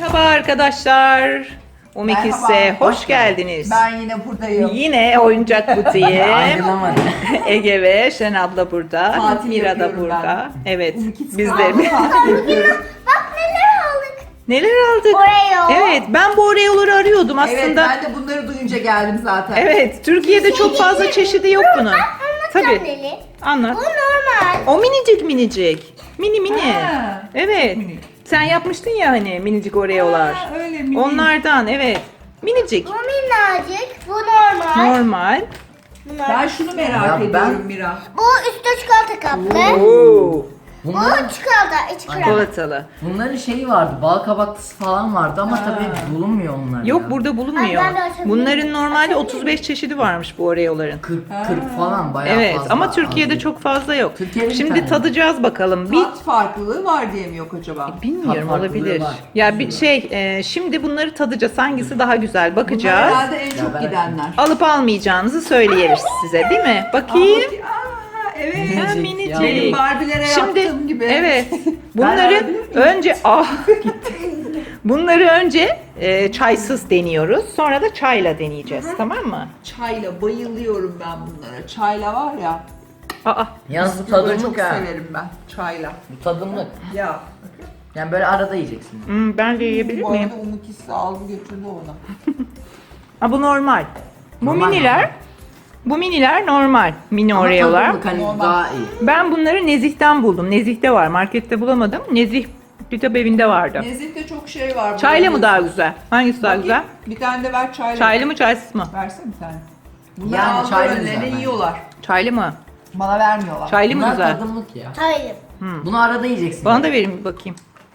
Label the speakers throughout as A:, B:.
A: Merhaba arkadaşlar. Umikis'e hoş geldiniz.
B: Ben yine buradayım.
A: Yine oyuncak butiği.
C: Ayrılamadı.
A: Ege ve Şen abla burada.
B: Tatil
A: Mira da
B: yapıyorum
A: burada. Evet.
B: Umikis
A: Biz de.
B: tatil yapıyorum.
D: Bak neler aldık.
A: Neler aldık?
D: Oreo.
A: Evet, ben bu Oreo'ları arıyordum
B: Evet,
A: aslında.
B: ben de bunları duyunca geldim zaten.
A: Evet, Türkiye'de çok fazla çeşidi yok bunun.
D: Anlatacağım
A: Tabii.
D: Leli.
A: Anlat.
D: Bu normal.
A: O minicik minicik. Mini mini.
B: Ha,
A: Evet.
B: minik.
A: Sen yapmıştın ya hani minicik Oreo'lar.
B: Ha, öyle minik.
A: Onlardan evet. Minicik.
D: Bu minnacık. Bu normal.
A: Normal.
D: Bunlar.
B: Ben şunu merak
C: Ya
B: ediyorum
C: ben-
B: Mira.
D: Bu üstü çikolata kaplı.
A: Oo.
D: Bu
C: Bunların,
D: çikolata, iç krem.
A: Çikolatalı.
C: bunların şeyi vardı, bal kabaklısı falan vardı ama
B: Ha.
C: tabii bulunmuyor onlar
A: Yok
C: ya.
A: burada bulunmuyor.
D: Ay, ben de açabilirim.
A: Bunların normalde 35 çeşidi varmış bu Oreo'ların.
C: 40 falan bayağı
A: Evet
C: fazla.
A: ama Türkiye'de
C: az.
A: çok fazla yok.
C: Türkiye'de bir
A: Şimdi
C: tane.
A: tadacağız bakalım. Bir
B: Tat farklılığı var diye mi yok acaba?
A: bilmiyorum
C: Tat farklılığı
A: olabilir.
C: var.
A: Ya bir şimdi bunları tadacağız. Hangisi daha güzel
B: Bunlar
A: bakacağız.
B: herhalde en çok
C: ben-
B: gidenler.
A: Alıp almayacağınızı söyleyeriz size değil mi? Bakayım.
B: Evet.
A: Ha,
C: Minicik
A: minicik.
C: ya.
B: Benim Barbie'lere
A: Şimdi
B: yaptığım gibi.
A: evet.
B: Ben
A: Bunları
B: alabilir miyim?
A: önce gitti. Bunları önce çaysız deniyoruz. Sonra da çayla deneyeceğiz. Tamam mı?
B: Çayla bayılıyorum ben bunlara. Çayla var ya.
A: Aa.
C: Yalnız bu
B: Bisküvi çok
C: tadımlık ha.
B: severim ben. Çayla.
C: Bu tadımlık.
B: Ya.
C: Yani böyle arada yiyeceksin.
A: Ben de yiyebilir
B: Bu
A: miyim?
B: arada Umut aldı götürdü onu.
A: Ha, bu normal. Bu
C: Normal,
A: miniler.
C: normal.
A: Bu miniler normal. Mini
C: Ama
A: Oreo'lar.
C: tadımlık hani
B: Normal.
C: daha iyi.
A: Ben bunları Nezih'ten buldum. Nezih'te var. Markette bulamadım. Nezih kitap evinde vardı.
B: Nezih'te çok şey var.
A: Çayla mı
B: Böyle
A: daha güzel? Hangisi daha
B: Bakayım,
A: güzel?
B: Bir tane de ver çayla.
A: Çaylı mı çaysız mı?
B: Versene bir tane. Bunlar
C: Yani
B: yani
C: çaylı
B: önlerine
C: güzel bence.
B: yiyorlar.
A: Çaylı mı?
B: Bana vermiyorlar.
A: Çaylı mı
C: Bunlar
A: güzel?
C: tadımlık ya.
D: Hayır.
C: Bunu arada yiyeceksin.
A: Bana da verin bir bakayım.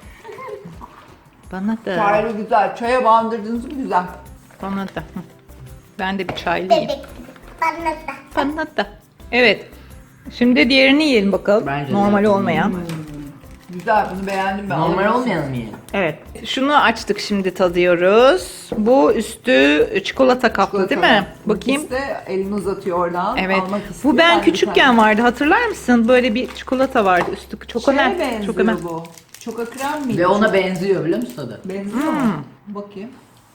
A: Bana da.
B: Çaylı güzel. Çaya bandırdınız mı güzel.
A: Bana da. Hı. Ben de bir çaylıyım.
D: Bebek. Bana da.
A: Bana da. Evet. Şimdi diğerini yiyelim bakalım.
C: Bence de.
A: Normal olmayan.
B: Güzel bunu beğendim ben.
C: Normal
B: Alırım.
C: olmayan mı yiyelim?
A: Evet. Şunu açtık şimdi tadıyoruz. Bu üstü çikolata kaplı değil mi? Bakayım.
B: İkisi de elini uzatıyor oradan.
A: Evet.
B: Almak istiyor.
A: Bu ben
B: de bir
A: küçükken
B: tane.
A: vardı. Hatırlar mısın? Böyle bir çikolata vardı üstü. Çok
B: Şeye
A: önemli.
B: benziyor
A: Çok önemli.
B: bu. Çoka krem miydi?
C: Ve ona benziyor biliyor musun tadı?
B: benziyor mu? Bakayım.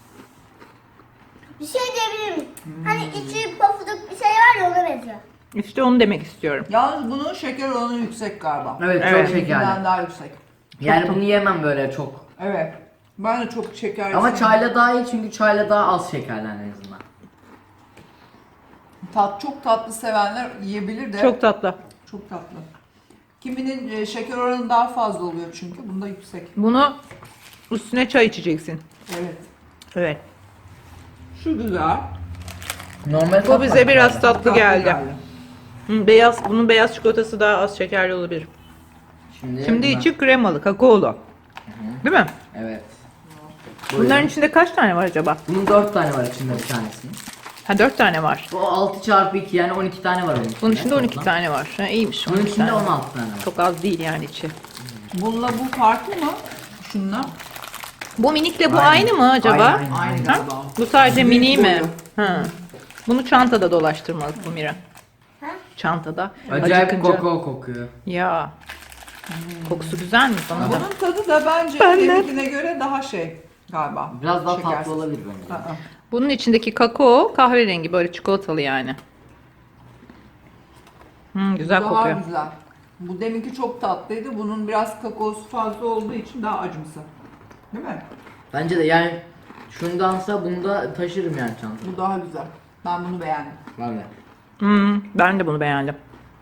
D: Bir şey diyebilir miyim? Hani içi pofuduk bir şey var ya ona benziyor.
A: İşte onu demek istiyorum.
B: Yalnız bunun şeker oranı yüksek galiba.
C: Evet,
A: Evet.
C: çok şekerli.
B: Bundan daha yüksek.
C: Yani bunu yemem böyle çok.
B: Evet. Ben de çok şeker
C: Ama
B: sevmiyorum.
C: çayla daha iyi çünkü çayla daha az şekerli en azından.
B: Çok tatlı sevenler yiyebilir de.
A: Çok tatlı.
B: Çok tatlı. Kiminin şeker oranı daha fazla oluyor çünkü. Bunda yüksek.
A: Bunu üstüne çay içeceksin.
B: Evet.
A: Evet.
B: Şu güzel.
C: Normal
A: Bu bize biraz tatlı
B: Tatlı
A: geldi. Bunun beyaz çikolatası daha az şekerli olabilir. Şimdi içi kremalı, kakaolu. Değil mi?
C: Evet.
A: Bunların içinde kaç tane var acaba?
C: Bunun 4 tane var içinde bir tanesinin.
A: Ha 4 tane var.
C: Bu 6 çarpı 2 yani 12 tane var onun içinde.
A: Bunun içinde 12
C: toplam.
A: tane var. Ha, iyiymiş.
C: Bunun
A: 12
C: içinde
A: tane.
C: 16 tane var.
A: Çok az değil yani içi.
B: Bununla bu farklı mı? Şunla.
A: Bu minikle bu
C: Aynen.
A: aynı mı acaba?
C: Aynen.
B: Aynı
A: Ha?
B: galiba.
A: Bu sadece
B: Büyük
A: mini mi?
B: boyu.
A: Ha. Bunu çantada dolaştırmalı bu Mira.
D: Ha?
A: Çantada.
C: Acayip
A: Acıkınca-
C: kokoo kokuyor.
A: Ya. Kokusu güzel mi sana da?
B: Bunun tadı da bence deminkine göre daha şey galiba.
C: Biraz daha
B: Şekersiz.
C: tatlı olabilir bence.
B: Aa.
A: Bunun içindeki kakao kahverengi böyle çikolatalı yani. Güzel
B: Daha
A: kokuyor.
B: güzel. Bu deminki çok tatlıydı. Bunun biraz kakaosu fazla olduğu için daha acımsı. Değil mi?
C: Bence de yani şundansa bunu da taşırım yani çantamda.
B: Bu daha güzel. Ben bunu beğendim.
C: Var ya.
A: Ben de bunu beğendim.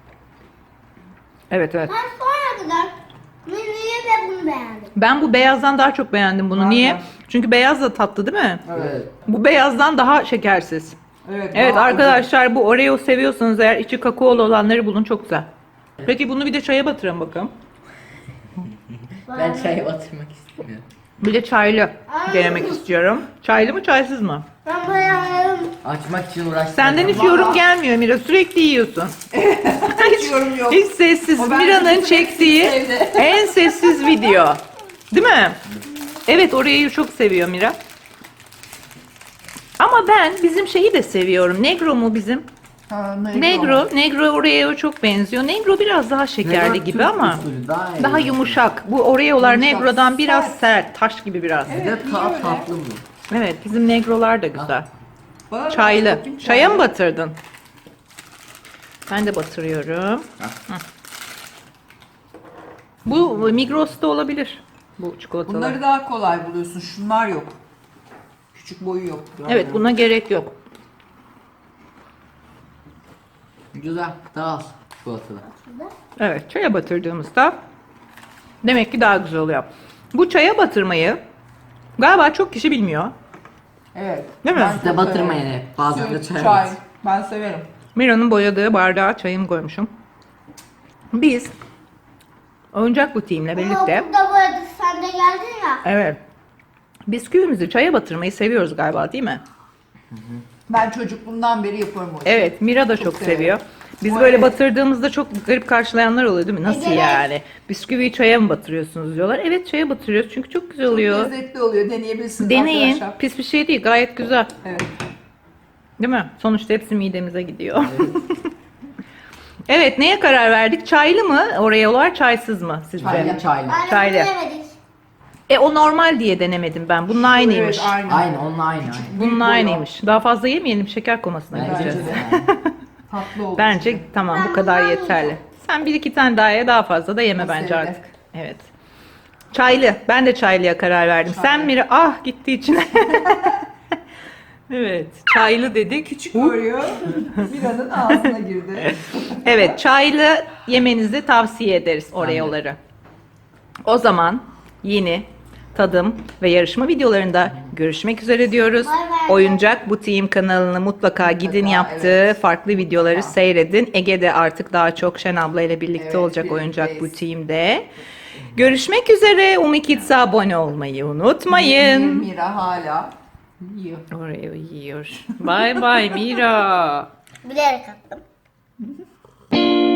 A: Evet evet.
D: Ben sonra kadar menüyü ve bunu beğendim.
A: Ben bu beyazdan daha çok beğendim bunu.
B: Ben
A: Niye?
B: de.
A: Çünkü beyaz da tatlı değil mi?
C: Evet.
A: Bu beyazdan daha şekersiz.
B: Evet,
A: Evet
B: daha
A: arkadaşlar bu Oreo seviyorsanız eğer içi kakaolu olanları bulun çok güzel. Peki bunu bir de çaya batırın bakalım.
C: Ben çayı batırmak istemiyorum.
A: Bir de çaylı denemek istiyorum. Çaylı mı çaysız mı?
D: Ben beğendim.
C: Açmak için uğraştım.
A: Senden hiç
B: Vallahi.
A: yorum gelmiyor Mira. Sürekli yiyorsun.
B: Hiç yorum yok.
A: Hiç sessiz.
B: O bence
A: Mira'nın
B: bütün
A: çektiği
B: hepsini sevdi.
A: en sessiz video. Değil mi? Evet Oreo'yu çok seviyor Mira. Ama ben bizim şeyi de seviyorum. Negro mu bizim?
B: Ha,
A: Negro Oreo'ya çok benziyor. Negro biraz daha şekerli
C: Negro
A: gibi
C: Türk
A: ama
C: usulü, daha iyi.
A: daha yumuşak. Bu Oreo'lar
B: Yumuşak,
A: Negro'dan biraz
B: sert.
A: sert, taş gibi biraz.
B: Evet.
C: Bir de
B: niye öyle?
C: tatlı bu.
A: Evet, bizim Negro'lar da güzel.
B: Bana bak,
A: Çaylı.
B: bakayım
A: Çaya mı batırdın? Ben de batırıyorum. Hı. Bu Migros'ta olabilir. Bu çikolatalar.
B: Bunları daha kolay buluyorsun. Şunlar yok. Küçük boyu yok.
A: Evet, buna gerek yok.
C: Güzel. Daha az çikolatalı.
A: Evet, çaya batırdığımızda demek ki daha güzel oluyor. Bu çaya batırmayı galiba çok kişi bilmiyor.
B: Evet.
A: Değil mi?
B: Ben
C: Siz de
B: çok
C: batırmayın
B: severim.
C: hep. Bazen de
B: Süt,
C: çay
B: çay.
C: batır.
B: Ben severim.
A: Mira'nın boyadığı bardağa çayımı koymuşum. Biz oyuncak butiğimle birlikte,
D: Ama burada böyle sen de geldin ya.
A: evet, bisküvimizi çaya batırmayı seviyoruz galiba, değil mi?
B: Ben çocukluğumdan beri yaparım o işi.
A: Evet, Mira da çok
B: severim.
A: seviyor. Biz
B: Bu
A: böyle
B: evet.
A: batırdığımızda çok garip karşılayanlar oluyor değil mi? Nasıl
D: Evet.
A: yani? Bisküviyi çaya mı batırıyorsunuz diyorlar. Evet, çaya batırıyoruz çünkü çok güzel oluyor.
B: Çok lezzetli oluyor. Deneyebilirsiniz
A: Deneyin.
B: arkadaşlar.
A: Pis bir şey değil, gayet güzel.
B: Evet.
A: Değil mi? Sonuçta hepsi midemize gidiyor. Evet, neye karar verdik? Çaylı mı Oreo'lar, çaysız mı sizce?
C: Çaylı çaylı.
D: Aynı
A: Çaylı.
D: bilemedik.
A: O normal diye denemedim ben. Bunun aynıymış.
B: Evet, aynı.
C: Aynı onunla aynı. aynı.
A: Bunun
B: Büyük boyu.
A: aynıymış. Daha fazla yemeyelim, şeker komasına
C: Bence
A: gideceğiz.
C: de.
B: Tatlı oldu.
A: Bence tamam, bu
D: Ben
A: kadar
D: bundan
A: yeterli.
D: yiyeceğim.
A: Sen bir iki tane daha ye, daha fazla da yeme
B: Bu
A: bence
B: sevdi.
A: artık. Evet. Çaylı. Ben de çaylıya karar verdim.
B: Çaylı.
A: Sen Mira, ah gitti içine. Evet, çaylı dedik.
B: Küçük Oreo Mira'nın ağzına girdi.
A: Evet, çaylı yemenizi tavsiye ederiz Oreo'ları. O zaman yeni tadım ve yarışma videolarında görüşmek üzere diyoruz.
D: Bay bay.
A: Oyuncak Butiğim kanalını mutlaka gidin, yaptığı
B: evet.
A: farklı videoları seyredin. Ege de artık daha çok Şen abla ile birlikte
B: Evet,
A: olacak Oyuncak
B: birlikteyiz.
A: Butiğim'de. Görüşmek üzere. Umikids'e abone olmayı unutmayın.
B: Mira hala yiyor.
A: Oreo yiyor. Bye bye Mira.
D: Bilerek attım.